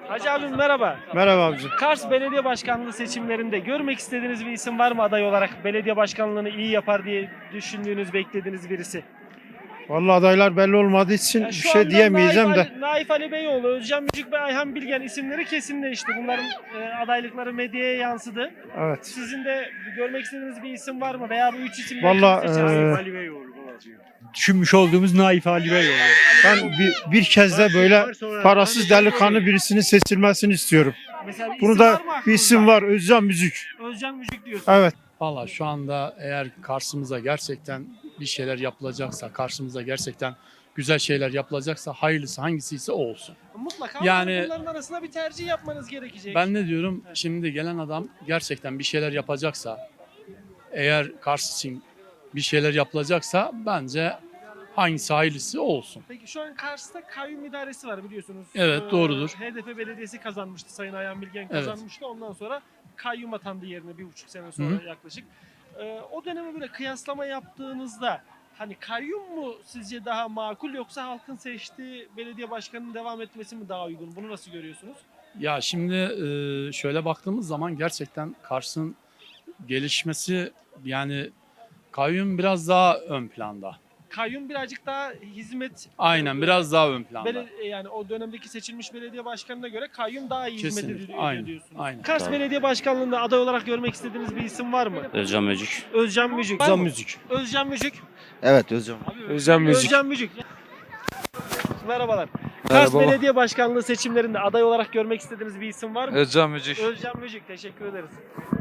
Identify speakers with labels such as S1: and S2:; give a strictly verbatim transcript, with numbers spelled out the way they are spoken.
S1: Hacı abim merhaba.
S2: Merhaba abicim.
S1: Kars Belediye Başkanlığı seçimlerinde görmek istediğiniz bir isim var mı aday olarak? Belediye başkanlığını iyi yapar diye düşündüğünüz, beklediğiniz birisi.
S2: Vallahi adaylar belli olmadığı için
S1: Ya
S2: bir
S1: şu
S2: şey
S1: anda
S2: diyemeyeceğim
S1: Naif
S2: de.
S1: Ali, Naif Ali Beyoğlu, Özcan Mücük ve Ayhan Bilgen isimleri kesinleşti. Bunların e, adaylıkları medyaya yansıdı.
S2: Evet.
S1: Sizin de görmek istediğiniz bir isim var mı? Veya bu üç isimden
S2: Vallahi,
S1: kimi seçersiniz?
S2: e,
S1: Ali Beyoğlu.
S3: Düşünmüş olduğumuz Naif Ali Beyoğlu.
S2: Ben bir, bir kez de böyle parasız delikanlı birisinin seçilmesini istiyorum.
S1: Mesela bir
S2: Bunu
S1: isim
S2: da
S1: var mı
S2: bir isim
S1: aklınızda?
S2: var. Özcan Müzik.
S1: Özcan Mücük diyorsun.
S2: Evet.
S4: Valla şu anda eğer karşımıza gerçekten bir şeyler yapılacaksa, karşımıza gerçekten güzel şeyler yapılacaksa hayırlısı hangisiyse o olsun.
S1: Mutlaka
S4: Yani-
S1: yani, bunların arasında bir tercih yapmanız gerekecek.
S4: Ben ne diyorum, şimdi gelen adam gerçekten bir şeyler yapacaksa, eğer karşı için bir şeyler yapılacaksa bence hangisi hayırlısı o olsun.
S1: Peki şu an Kars'ta kayyum idaresi var biliyorsunuz.
S4: Evet,
S1: Ee,
S4: doğrudur.
S1: H D P belediyesi kazanmıştı. Sayın Ayhan Bilgen kazanmıştı. Ondan sonra kayyum atandı yerine bir buçuk sene sonra
S4: Hı.
S1: yaklaşık. Ee, o döneme böyle kıyaslama yaptığınızda hani kayyum mu sizce daha makul yoksa halkın seçtiği belediye başkanının devam etmesi mi daha uygun? Bunu nasıl görüyorsunuz?
S4: Ya şimdi e, şöyle baktığımız zaman gerçekten Kars'ın gelişmesi, yani kayyum biraz daha ön planda.
S1: Kayyum birazcık daha hizmet
S4: Aynen, biraz daha ön planda.
S1: Bele- yani o dönemdeki seçilmiş belediye başkanına göre kayyum daha iyi
S4: Kesinlikle,
S1: hizmet ediyor
S4: aynen,
S1: diyorsunuz.
S4: aynen.
S1: Kars
S5: Tabii.
S1: Belediye Başkanlığı'nda aday olarak görmek istediğiniz bir isim var mı?
S5: Özcan Mücük.
S1: Özcan Mücük. Var
S2: Özcan
S1: mı?
S2: Müzik.
S1: Özcan Mücük.
S5: Evet Özcan.
S2: Özcan Müzik.
S1: Özcan Mücük. Merhabalar. Kars
S6: Merhaba.
S1: Belediye Başkanlığı seçimlerinde aday olarak görmek istediğiniz bir isim var mı?
S6: Özcan Mücük.
S1: Özcan Mücük. Teşekkür ederiz.